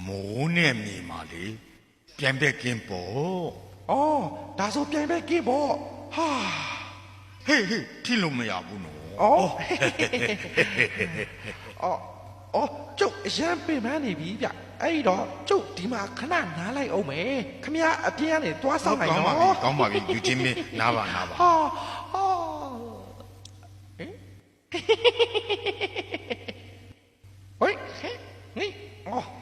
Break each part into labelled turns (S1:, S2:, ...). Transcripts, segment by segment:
S1: မိုးနဲ့မြေမှာလေပြန်ပဲကင်းပေါ့
S2: အော်ဒါဆိုပြန်ပဲကင်းပေါ့ဟာ
S1: ဟေးထိလို့မရဘူးနော်
S2: အော်ကျုပ်အရန်ပင်ပန်းနေပြီဗျအဲ့တော့ကျုပ်ဒီမှာခဏနားလိုက်အောင်မယ်ခမရအပြင်းကနေတွားဆောင်နိုင်နော်
S1: ကောင်းပါပြီယူချင်းမင်းနားပါ
S2: ဟာဟေးဟေးအော်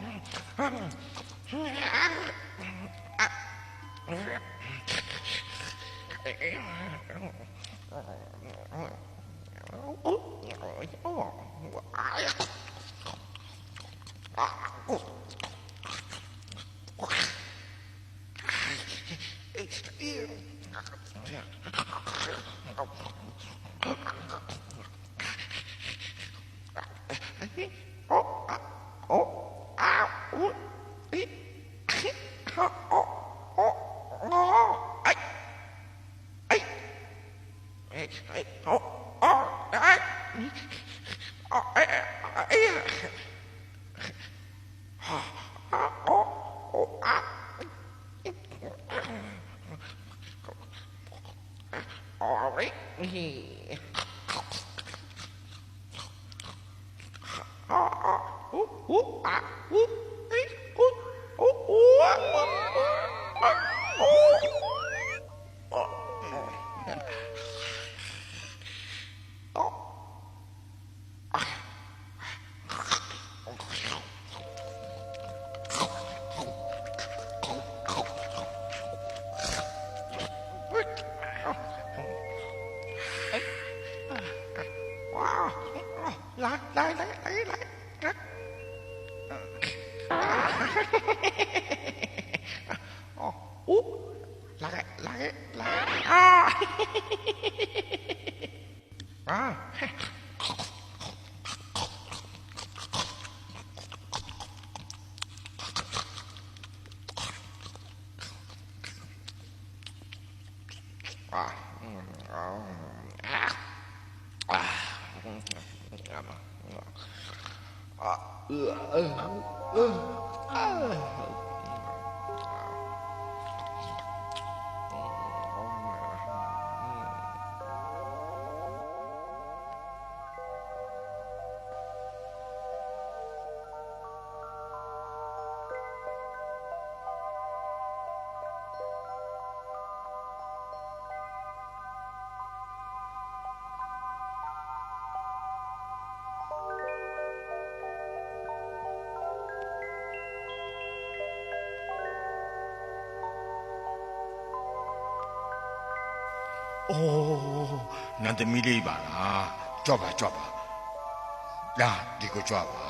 S1: အိုးနန္ဒမီလေးပါလားကြွပါလာဒီကိုကြွပါ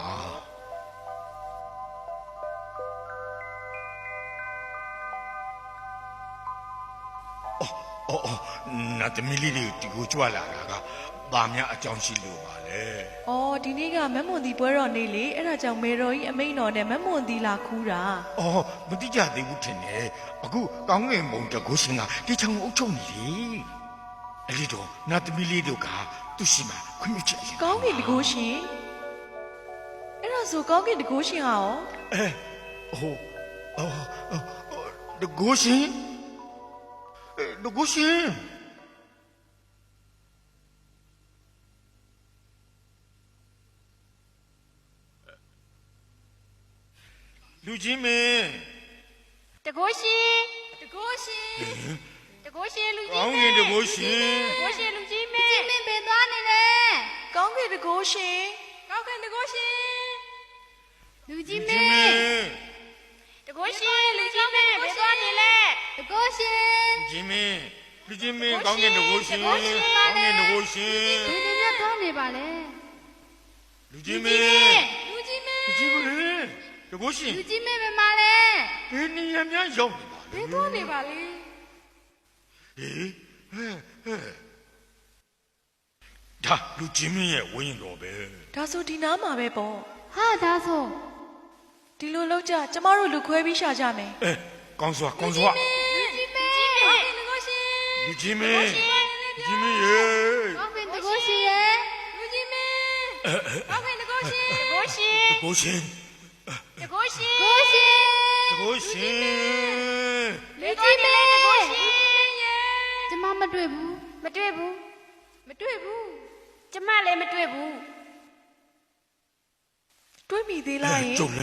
S1: အော်နန္ဒမီလေးဒီကိုကြွလာတာကဘာများအကြောင်းရှိလို့ပါလဲ
S3: ။အော်ဒီနေ့ကမက်မွန်ဒီပွဲတော်နေ့လေအဲ့ဒါကြောင့်မေတော်ကြီးအမိန်တော်နဲ့မက်မွန်ဒီလာခူးတာ
S1: ။အော်မတိကြသေးဘူးထင်တယ်။အခုကောင်းငင်မုံတကုရှင်ကဒီချောင်းကိုအုပ်ချုပ်နေတယ်။အဲ့ဒီတော့နတ်သမီးလေးတို့ကသူ့ရှိမှခွင့်ပြုချက်
S3: ကောင်းကင်တကုရှင်အဲ့ဒါဆိုကောင်းကင်တကုရှင်ဟာရော
S1: တကုရှင်လူကြီးမင်း
S4: တကုရှင်လူကြီး
S1: ကောင်းကင်တကုရှင်
S4: လူကြီးမင်းဘယ်သွားနေလဲ
S3: ကောင်းကင်တကုရှင်
S4: လူကြီးမင်းတကုရှင်လူကြီးမင်းဘယ်သွားနေလဲတကုရှင်
S1: လူကြီးမင်းကောင်းကင်တကုရှင်
S4: ဘယ်နေရသွားနေပါလဲ
S1: လူကြီးမင်းတကုရှင်
S4: လူကြီးမင်းဘယ်မှာလဲ
S1: ဘယ်နေရာများရောက်
S4: နေပါလဲဘယ်သွားနေပါလဲ
S1: ဒါလူကြီးမင်းရဲ့ဝင်းတော်ပဲ
S3: ဒါဆိုဒီနားမှာပဲပေါ့
S4: ဟာဒါဆို
S3: ဒီလိုလောက်ကြကျမတို့လူခွဲပြီးရှာကြမယ်
S1: ကောင်းစွာ
S4: လူကြီးမင်း
S1: လူကြီးမင်းရေ
S4: ကောင်းကင်တကုရှင်ရဲ့လူကြီးမင်းကောင်းကင်တကုရှင်
S1: ကိုရှင်
S4: လူကြီးမဲတကိုရှင်ကျမမတွေ့ဘူးမတွေ့ဘူးကျမလည်းမတွေ့ဘူး
S3: တွေးမိသေးလားယင်
S1: ကျုပ်